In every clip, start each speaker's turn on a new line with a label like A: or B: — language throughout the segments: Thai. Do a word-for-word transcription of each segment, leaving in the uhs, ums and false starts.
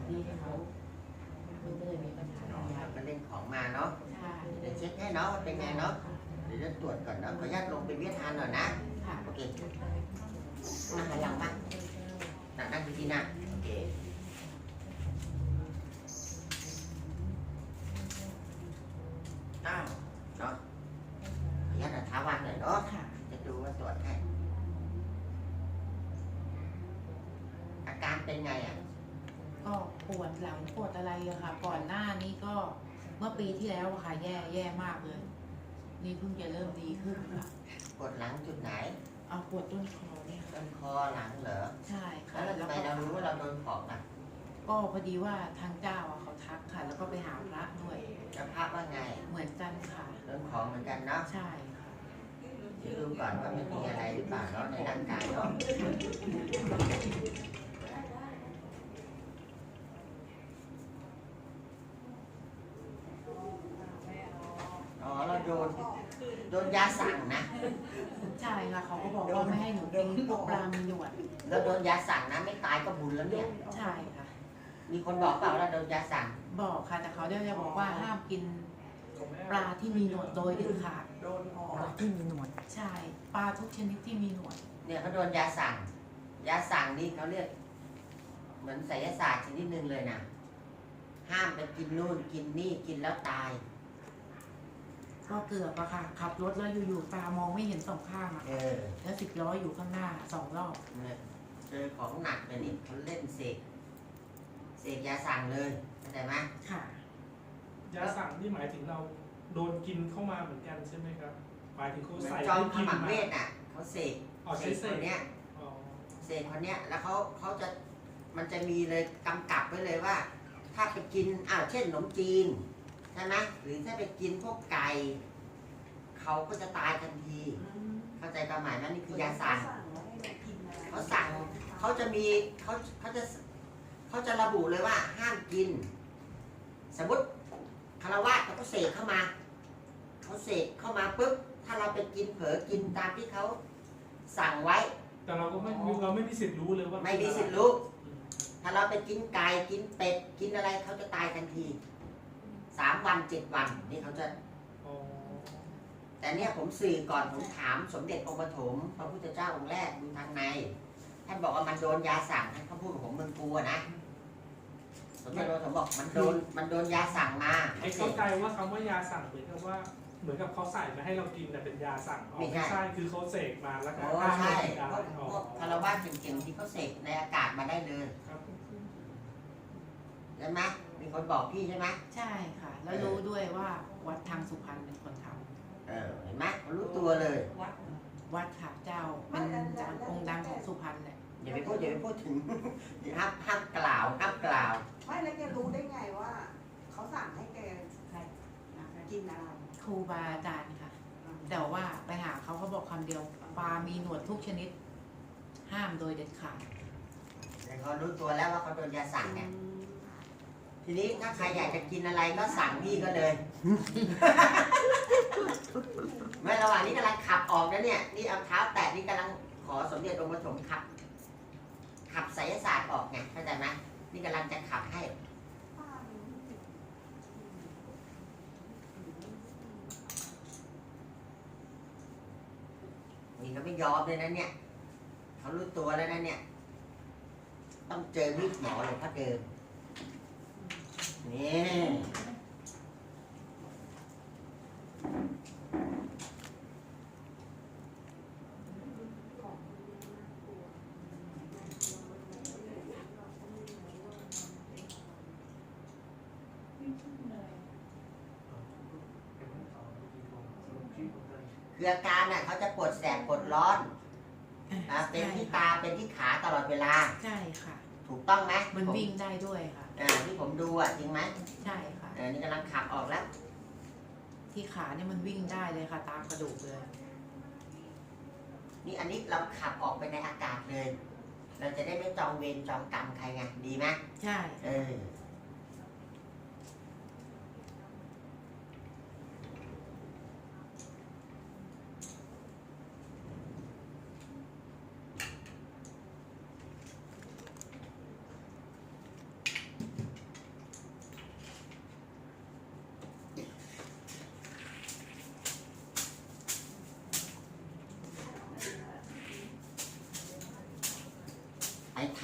A: ที่ให้เขามันก็เลยมีปัญหา
B: เนาะ
A: ใหญ่
B: ก็เล่นของมาเนาะ
A: ใช่
B: เดี๋ยวเช็คให้เนาะว่าเป็นไงเนาะเดี๋ยวจะตรวจก่อนเนาะขออนุญาตลงไปเวียดทานหน่อยนะ
A: ค่ะ
B: โอเคนั่งหันหลังมานั่งนั่งที่หน้าโอเคอ้าวเนาะขออนุญาตท้าวันหน่อยเนาะ
A: ค่ะ
B: จะดูว่าตรวจให้อาการเป็นไงอ่ะ
A: ก็ปวดหลังปวดอะไรอะค่ะ ก่อนหน้านี้ก็เมื่อปีที่แล้วอะค่ะ แย่แย่มากเลย นี่เพิ่งจะเริ่มดีขึ้นค่ะ
B: ปวดหลังจุดไหน
A: เอาปวดต้นคอเนี่ยค่ะ
B: ต้นคอหลังเหรอ
A: ใช่ค่ะ
B: แล้วทำไมเรารู้ว่าเราโดนของอ่ะ
A: ก็พอดีว่าทางเจ้าอะเขาทักค่ะ แล้วก็ไปหาพระด้วย
B: จะภาพว่าไง
A: เหมือนกันค่ะ
B: โดนของเหมือนกันเนาะ
A: ใช่ค่ะ
B: เดี๋ยวดูก่อนว่ามันมีอะไรหรือเปล่าเนาะในร่างกายเนาะอ๋อเราโดนโดนยาสั่งนะ
A: ใช่ค่ะ เขาก็บอกว่าไม่ให้หนูกินพวกปลามีหนวด
B: เราโดนยาสั่งนะไม่ตายก็บุญแล้วเนี่ย
A: ใช่ค่ะ
B: มีคนบอกเปล่าว่าเราโดนยาสั่ง
A: บอกค่ะ แต่เขาได้จะบอกว่าห้ามกินปลาที่มีหนวดโดยเด็ดขาด
C: โดนออ
A: ปลาก ที่มีหนวด ใช่ ปลาทุกชนิดที่มีหนวด
B: เนี่ยเขาโดนยาสั่ง ยาสั่งนี่เขาเรียก เหมือนไสยศาสตร์ชนิดหนึ่งเลยนะห้ามไปกินนู่นกินนี่กินแล้วตาย
A: ก็เกือบอะค่ะ ขับรถแล้วอยู่ๆตามองไม่เห็นสองข้างอะ
B: เออ
A: แล้วสิบล้ออยู่ข้างหน้าสองรอบ
B: เนี่ยเจอของหนักเลยนี่เขาเล่นเสกเสกยาสั่งเลยเข้าใจไหม
A: ค่ะ
C: ยาสั่งนี่หมายถึงเราโดนกินเข้ามาเหมือนกันใช่ไหมครับ หมายถึงเขา
B: เหมือน
C: ใส่
B: จอม
C: ให้
B: ข
C: กิน
B: มัง
C: มา
B: เวทอ่ะเขาเสก
C: อ๋อ
B: เส
C: ใช้
B: ก
C: เส
B: ค
C: ก
B: นเนี้ย
C: อ๋อ
B: เสกคนเนี้ยแล้วเขาเขาจะมันจะมีเลยกำกับไว้เลยว่า ถ้าไปกินอ้าวเช่นขนมจีนใช่ไหมหรือถ้าไปกินพวกไก่เขาก็จะตายทันที เข้าใจความหมายไหมนี่คือยาสั่งเขาสั่งเขาจะมีเขาเขาจะเขาจะระบุเลยว่าห้ามกิน สมมติคารวะเขาก็เสกเข้ามาเขาเสกเข้ามาปุ๊บถ้าเราไปกินเผลอกินตามที่เขาสั่งไว้
C: แต่เราก็ไม่เราไม่มีสิทธิ์รู้เลยว่า
B: ไม่มีสิทธิ์รู้ ถ้าเราไปกินไก่กินเป็ดกินอะไรเขาจะตายทันทีสามวันเจ็ดวันนี่เขาจะ
C: อ๋อ
B: แต่เนี่ยผมสื่อก่อนผมถามสมเด็จองค์ปฐมพระพุทธเจ้าองค์แรกดูทางในท่านบอกว่ามันโดนยาสั่งท่านเขาพูดกับผมเมืองกูอะนะสมเด็จองค์ปฐมบอกมันโดนมันโดนยาสั่งมา
C: ไอ้เข้าใจว่าคำว่ายาสั่งเหมือนกับว่า เหมือนกับเขาใส่มาให้เรากินแต่เป็นยาสั่งอ๋อไม่ใช่คือเขาเสกมาแล้วก็
B: โอ้
C: ห้าม
B: ใช่
C: เรากินได้
B: พวก
C: อ๋อ
B: พวกคารวะเก่งๆที่เขาเสกในอากาศมาได้เลย
C: ครับ
B: ใช่ไหมมีคนบอกพี่ใช่ไหม
A: ใช่ค่ะ แล้วรู้ด้วยว่าวัดทางสุพรรณเป็นคนท
B: เออเห็นไหมเขารู้ตัวเลย
A: ำวัดค่ะเจ้า เป็นจางองค์ดังของสุพรรณเลย
B: อย่าไปพูดอย่าไปพูดถึง ห้ามห้ามกล่าวห้ามกล่าว
D: ไม่แล้วแกรู้ได้ไงว่าเขาสั่งให้แกกินอะไร
A: ครูบาอาจารย์ค่ะ แต่ว่าไปหาเขาเขาบอกคำเดียว ปลามีหนวดทุกชนิด ห้ามโดยเด็ดขาด
B: แต่เขารู้ตัวแล้วว่าเขาโดนยาสั่งไงทีนี้ถ้าใครอยากจะกินอะไรก็สั่งพี่ก็เลย เมื่อระหว่างนี้กำลังขับออกนะเนี่ยนี่เอาเท้าแตะนี่กำลังขอสมเด็จองค์ปฐมขับ ขับไสยศาสตร์ออกไงเข้าใจไหมนี่กำลังจะขับให้ นี่เขาไม่ยอมเลยนะเนี่ยเขารู้ตัวแล้วนะเนี่ย ต้องเจอมีดหมอหลวงพ่อเดิมนี่คืออาการน่ะเขาจะปวดแสบปวดร้อนอ่าเป็นที่ตาเป็นที่ขาตลอดเวลา
A: ใช่ค่ะ
B: ถูกต้องไหม
A: มันวิ่งได้ด้วยค่ะ
B: อ่าที่ผมดูอ่ะจริงไหม
A: ใช่ค่ะ
B: เออนี่กำลังขับออกแล้ว
A: ที่ขาเนี่ยมันวิ่งได้เลยค่ะ ตามกระดูกเลย
B: นี่อันนี้เราขับออกไปในอากาศเลย เราจะได้ไม่จองเวรจองกรรมใครไงดีไหม
A: ใช่
B: เออ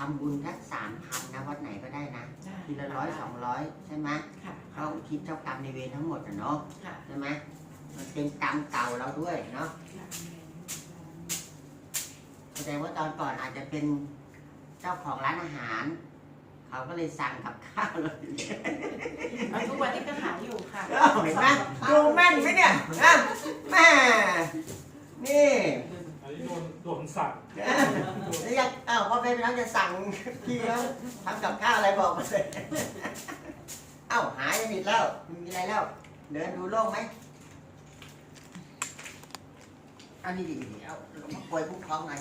B: ำบุญทักสามพันนะวัดไหนก็ได้นะ
A: ได้
B: ทีละร้อยสองร้อยใช่ไหม
A: ค่ะ
B: เขาคิดเจ้ากรรมในเวรทั้งหมดอ่ะเนาะ
A: ค่ะ
B: ใช่ไหมมันเป็นกรรมเก่าเราด้วยเนาะแสดงว่าตอนก่อนอาจจะเป็นเจ้าของร้านอาหาร เขาก็เลยสั่งกับข้าวเลย
A: เอาทุกวันนี้ก็ขายอยู่ค่ะ
B: เอ้าเห็นไหมดูแม่นไหมเนี่ยนะแม่นี่
C: อันนี้โดนโดนสั่ง
B: แล้วยังอ้าวพ่อแม่พี่น้องจะสั่งพี่แล้วทำกับข้าวอะไรบอกมาเลยเอ้าหายสนิทแล้วไม่มีอะไรแล้ว เดินดูโล่งไหมอันนี้ดีๆเอามาป่วยคุ้มครองหน่อย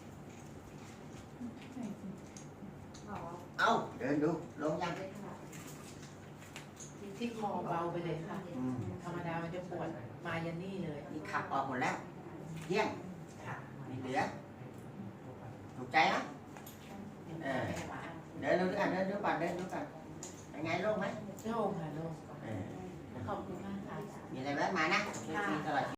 D: อ๋อ
B: เอาเดินดูลงยัง
A: ที่คอเบาไปเลยค่ะ
B: อืม
A: ธรรมดามันจะปวดมายันนี่เลย
B: นี่ขับออกหมดแล้วเที่ยง
A: ค่ะ
B: ไม่เหลือถูกใจนะ
A: เออ
B: เดินดูด้วยกันเดินดูก่อนเดินดูก่อนเป็นไงโล่งไหม
A: โล่งค่ะโล่ง
B: เออ
A: ขอบคุณมากค่ะ
B: มีอะไรแวะมานะช่วยฟรีตลอด